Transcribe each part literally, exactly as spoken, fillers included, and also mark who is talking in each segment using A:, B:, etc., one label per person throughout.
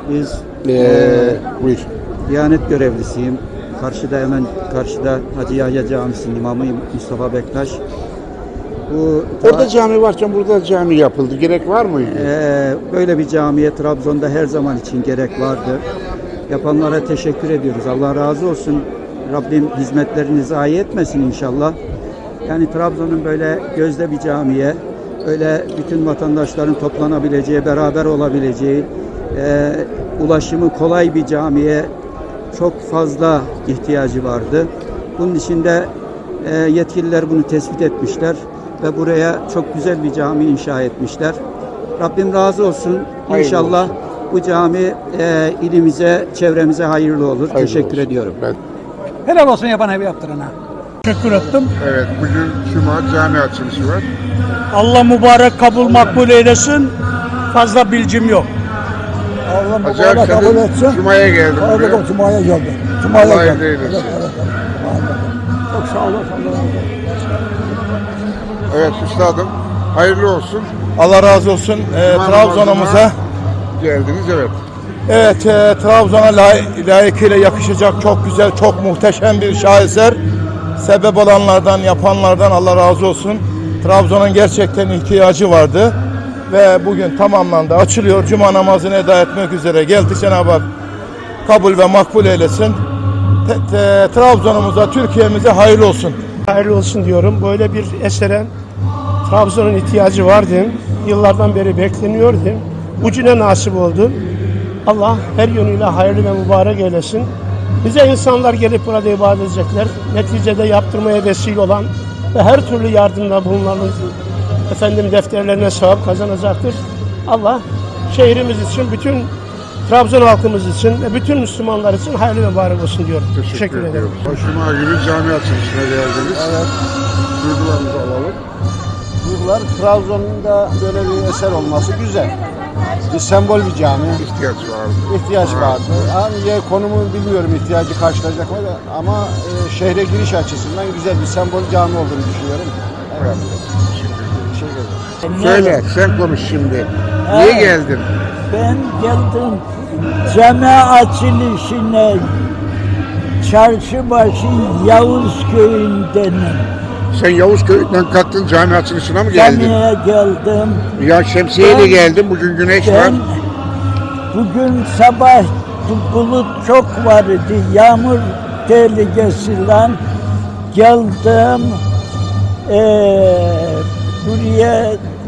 A: Biz
B: Ee,
A: eee,
B: buyur.
A: Diyanet görevlisiyim. Karşıda hemen karşıda Hacı Yahya Camisi'nin imamıyım Mustafa Bektaş. Bu
B: Orada cami varken burada cami yapıldı. Gerek var mıydı?
A: eee, böyle bir camiye Trabzon'da her zaman için gerek vardı. Yapanlara teşekkür ediyoruz. Allah razı olsun. Rabbim hizmetlerini zayi etmesin inşallah. Yani Trabzon'un böyle gözde bir camiye, öyle bütün vatandaşların toplanabileceği, beraber olabileceği, e, ulaşımı kolay bir camiye çok fazla ihtiyacı vardı. Bunun için de e, yetkililer bunu tespit etmişler ve buraya çok güzel bir cami inşa etmişler. Rabbim razı olsun.
B: Hayırlı
A: İnşallah
B: olsun.
A: bu cami e, ilimize, çevremize hayırlı olur.
B: Hayırlı
A: Teşekkür
B: olsun.
A: ediyorum.
B: Ben,
C: Helal olsun yapan evi yaptırana. Teşekkür ettim.
B: evet, bugün Cuma cami açılışı var.
C: Allah mübarek kabul makbul eylesin. Fazla bilgim yok.
D: Allah
B: Hacı
D: mübarek kabul
B: Akşe'nin
D: etsin.
B: Cuma'ya geldim buraya.
D: Hayırlı Cuma'ya geldim. Cuma'ya
B: Allah
D: geldim.
B: hayırlı eylesin.
D: Evet, evet, evet. Çok sağ olun. Allah razı olsun.
B: Evet üstadım, hayırlı olsun.
E: Allah razı olsun. Ee,
B: Cuma
E: Trabzon'umuza
B: namazına geldiniz, evet.
E: evet e, Trabzon'a lay layıkıyla yakışacak çok güzel, çok muhteşem bir şaheser. Sebep olanlardan, yapanlardan Allah razı olsun. Trabzon'un gerçekten ihtiyacı vardı ve bugün tamamlandı. Açılıyor. Cuma namazını eda etmek üzere geldik. Cenab-ı Hak kabul ve makbul eylesin. Te- te- Trabzon'umuza, Türkiye'mize hayırlı olsun.
F: Hayırlı olsun diyorum. Böyle bir esere Trabzon'un ihtiyacı vardı. Yıllardan beri bekleniyordu. Ucuna nasip oldu. Allah her yönüyle hayırlı ve mübarek eylesin. Bize insanlar gelip burada ibadet edecekler. Neticede yaptırmaya vesile olan ve her türlü yardımda bulunanın efendim defterlerine sevap kazanacaktır. Allah şehrimiz için, bütün Trabzon halkımız için ve bütün Müslümanlar için hayırlı ve mübarek olsun diyorum.
B: Teşekkür,
F: Teşekkür ederim.
B: ediyorum. Cuma günü cami açılışına geldiniz. Evet. Duygularınızı alalım.
G: Duygular, Trabzon'da böyle bir eser olması güzel. Bir sembol bir cami.
B: İhtiyaç vardı.
G: İhtiyaç vardı. Hani yer konumu bilmiyorum ihtiyacı karşılayacak mı da ama e, şehre giriş açısından güzel bir sembol cami olduğunu düşünüyorum. Evet. Teşekkür ederim.
B: Söyle, sen konuş şimdi. Niye geldin?
H: Ben geldim cami açılışına Çarşıbaşı Yavuz köyünden
B: Sen Yavuzköy'den kalktın cami açılışına mı geldin?
H: camiye geldim.
B: Ya şemsiyeyle
H: Ben-
B: geldim, bugün güneş var.
H: Ben bugün sabah bulut çok vardı, yağmur tehlikesiyle geldim. Ee, buraya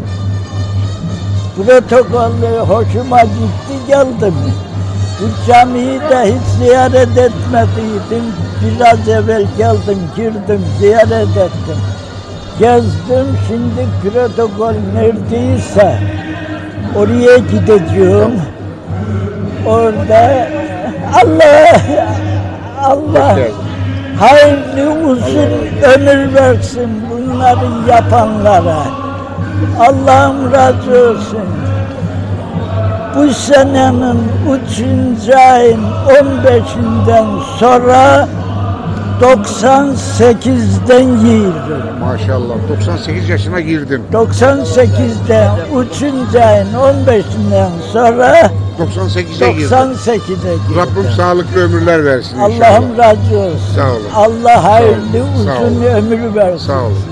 H: protokollü hoşuma gitti geldim. Bu camiyi de hiç ziyaret etmediydim. Biraz evvel geldim, girdim, ziyaret ettim. Gezdim, şimdi protokol neredeyse oraya gideceğim. Orada Allah, Allah hayırlı uzun ömür versin bunları yapanlara. Allah'ım razı olsun. Bu senenin üçüncü ayın on beşinden sonra doksan sekizden yiyorum.
B: Maşallah, doksan sekiz yaşına girdin.
H: doksan sekizde üçüncü ayın on beşinden sonra
B: doksan sekize girdin.
H: doksan sekize girdim.
B: Rabbim sağlıklı ömürler versin inşallah.
H: Allah'ım razı olsun.
B: Sağ olun.
H: Allah hayırlı
B: Sağ olun. Sağ
H: uzun
B: olun.
H: ömür versin.
B: Sağ olun.